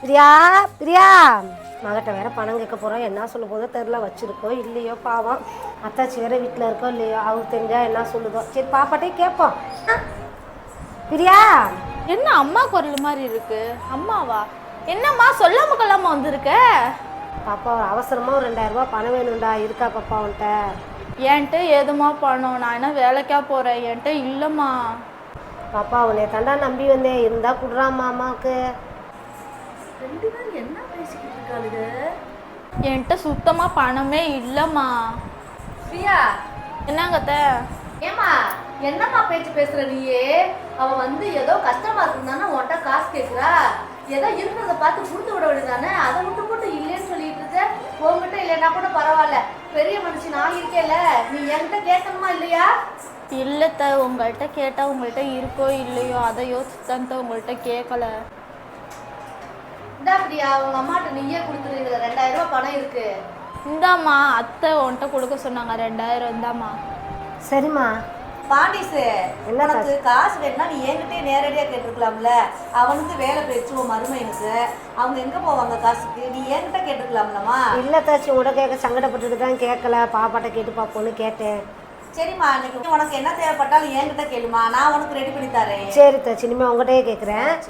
பிரியா பிரியா மகட்ட வேற பணம் கேட்க போகிறோம். என்ன சொல்ல போதோ தெரில, வச்சுருக்கோம் இல்லையோ பாவம். அத்தாச்சி வேற வீட்டில் இருக்கோ இல்லையோ, அவருக்கு தெரிஞ்சா என்ன சொல்லுதோ. சரி பாப்பாட்டே கேட்போம். பிரியா, என்ன அம்மா குரல் மாதிரி இருக்கு? அம்மாவா? என்னம்மா சொல்லாம கொள்ளாம வந்திருக்க? பாப்பா ஒரு அவசரமாக ஒரு 2000 ரூபாய் பணம் வேணும்டா. இருக்கா பாப்பா உன்ட்ட? என்கிட்ட ஏதுமா பணம்? நான் என்ன வேலைக்கா போகிறேன்? என்கிட்ட இல்லைம்மா. பாப்பா உன்னை தாண்டா நம்பி வந்தேன், இருந்தால் குடுறாம்மா அம்மாவுக்கு. ரெண்டு பேரும் என்ன பேசிக்கிட்டு இருக்காளுங்க? என்கிட்ட சுத்தமாக பணமே இல்லைம்மா. பிரியா, என்னங்கத்த? ஏமா என்னம்மா பேச்சு பேசுற நீயே? அவ வந்து ஏதோ கஷ்டமா இருக்குதானே உன்கிட்ட காசு கேட்குறா. ஏதோ இருக்கிறத பார்த்து கொடுத்து விட வேண்டியதானே. அதை விட்டு போட்டு இல்லைன்னு சொல்லிட்டு இருக்க. உங்ககிட்ட இல்லைன்னா கூட பரவாயில்ல, பெரிய மனுஷன் நான் இருக்கேல்ல, நீ என்கிட்ட கேட்கணுமா இல்லையா? இல்லைத்த, உங்கள்கிட்ட கேட்டால் உங்கள்கிட்ட இருக்கோ இல்லையோ அதை யோசிச்சுதான் உங்கள்கிட்ட கேட்கல. இந்தா பிரியா, உங்க அம்மாட்ட நீயே கொடுத்துரு. இதுல 2000 ரூபாய் பணம் இருக்கு. இந்தாம்மா, அத்தை உன்கிட்ட கொடுக்க சொன்னாங்க 2000. இந்தாம்மா. சரிம்மா. பாண்டிஸு, என்ன உனக்கு காசு வேணும்னா நீ என்கிட்டே நேரடியாக கேட்டிருக்கலாம்ல. அவனுக்கு வேலை போயிடுச்சு உன் மருமையனுக்கு. அவங்க எங்கே போவாங்க காசுக்கு? நீ என்கிட்ட கேட்டிருக்கலாம்லம்மா. இல்லை தாச்சி, உட கேட்க சங்கடப்பட்டுட்டு தான் கேட்கல. பாப்பாட்ட கேட்டு பார்ப்போன்னு கேட்டேன். சரிம்மா, இன்னைக்கு உனக்கு என்ன தேவைப்பட்டாலும் என்கிட்ட கேளுமா, நான் உனக்கு ரெடி பண்ணி தரேன். சரி தாச்சி, இனிமேல் உங்கள்கிட்டயே கேட்குறேன்.